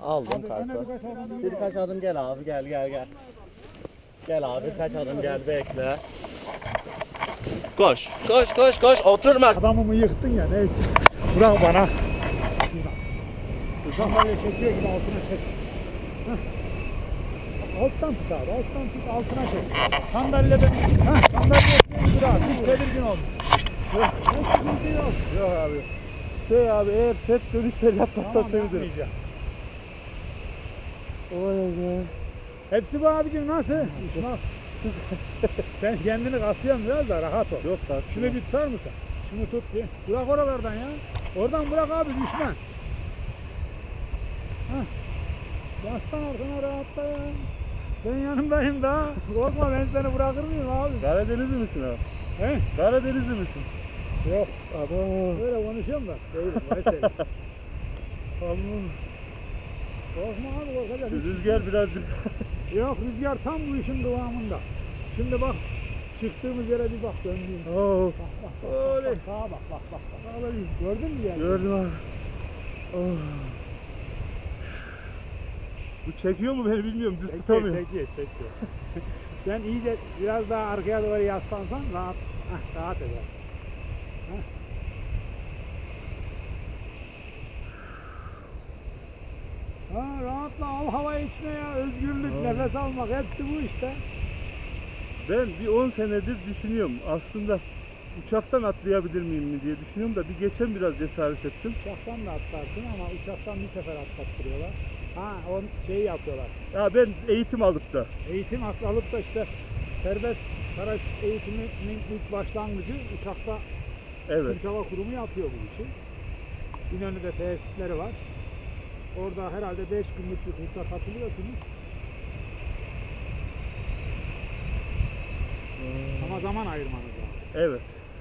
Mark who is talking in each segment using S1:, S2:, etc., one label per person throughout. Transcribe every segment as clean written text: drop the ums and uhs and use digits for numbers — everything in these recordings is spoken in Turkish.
S1: Aldım kartı. Birkaç adım gel abi, gel. Gel abi, birkaç adım gel, bekle. Koş. Oturma.
S2: Adamımı yıktın ya, neyse. Bırak bana. Sandalye çekiyor gibi altına çek. Heh. Alttan tut abi, alttan tut, altına çek. Sandalyeden, sandalyeye bırak, hiç tedirgin olma. Hiç sıkıntı yok.
S1: Yok abi. Abi, eğer set dönüşler yapmazsan
S2: Tamam,
S1: sevinirim.
S2: yapmayacağım.
S1: Oy be.
S2: Hepsi bu abicim, nasıl? Nasıl? Sen kendini kasıyorsun biraz da rahat ol.
S1: Yok da.
S2: Şunu bir tutar mısın? Şunu tut bir. Bırak oralardan ya. Oradan bırak abi, düşme. Heh. Yaslan arkana, rahatla ya. Ben yanımdayım daha. Korkma, ben seni bırakır mıyım abi?
S1: Karadenizli misin abi?
S2: He?
S1: Karadenizli misin?
S2: Yok.
S1: Abo.
S2: Böyle konuşuyorum da. Değilim. Mesela.
S1: Allah.
S2: Korkma abi, korkacak.
S1: Rüzgar birazcık.
S2: Yok, rüzgar tam bu işin kıvamında. Şimdi bak. Çıktığımız yere bir bak, döndüğüm.
S1: Oh.
S2: Bak.
S1: Oley.
S2: Sağa bak. Gördün mü yani?
S1: Gördüm abi. Oh. Bu çekiyor mu beni bilmiyorum. Düz tutamıyorum.
S2: Çekiyor. Sen iyice biraz daha arkaya doğru yaslansan rahat eder. Rahatla, al havayı içine ya, özgürlük, nefes almak, hepsi bu işte.
S1: Ben bir 10 senedir düşünüyorum. Aslında uçaktan atlayabilir miyim mi diye düşünüyorum da bir geçen biraz cesaret ettim.
S2: Uçaktan da atlarsın ama uçaktan bir sefer atlattırıyorlar. O şeyi yapıyorlar.
S1: Ya ben eğitim alıp da.
S2: Eğitim alıp da işte serbest paraş eğitiminin ilk başlangıcı uçakta.
S1: Evet.
S2: Türk Hava Kurumu yapıyor bu işi. İnönü'de tesisleri var. Orada herhalde 5 günlük bir kursa katılıyorsunuz. Ama zaman ayırmanız lazım.
S1: Evet.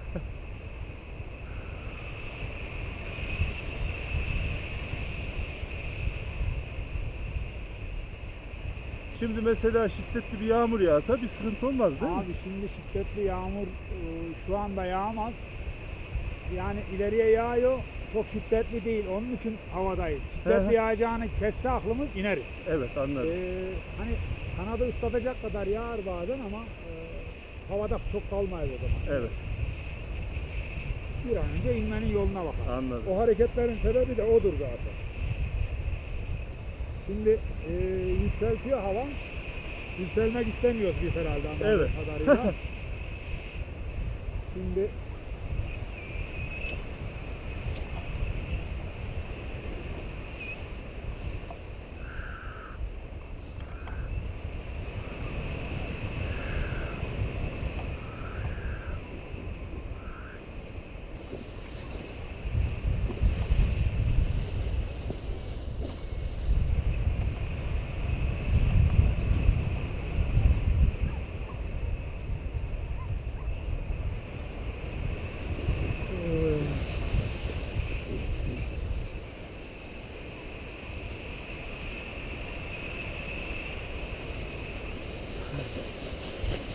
S1: Şimdi mesela şiddetli bir yağmur yağsa bir sıkıntı olmaz değil mi?
S2: Abi şimdi şiddetli yağmur şu anda yağmaz. Yani ileriye yağıyor. Çok şiddetli değil. Onun için havadayız. Şiddetli yağacağını kesse aklımız ineriz.
S1: Evet, anladım.
S2: Hani kanadı ıslatacak kadar yağar bazen ama havada çok kalmayız o zaman.
S1: Evet.
S2: Bir an önce inmenin yoluna bakalım.
S1: Anladım.
S2: O hareketlerin sebebi de odur zaten. Şimdi yükseltiyor hava. Yükselmek istemiyoruz biz herhalde anladığım
S1: Evet.
S2: kadarıyla. Şimdi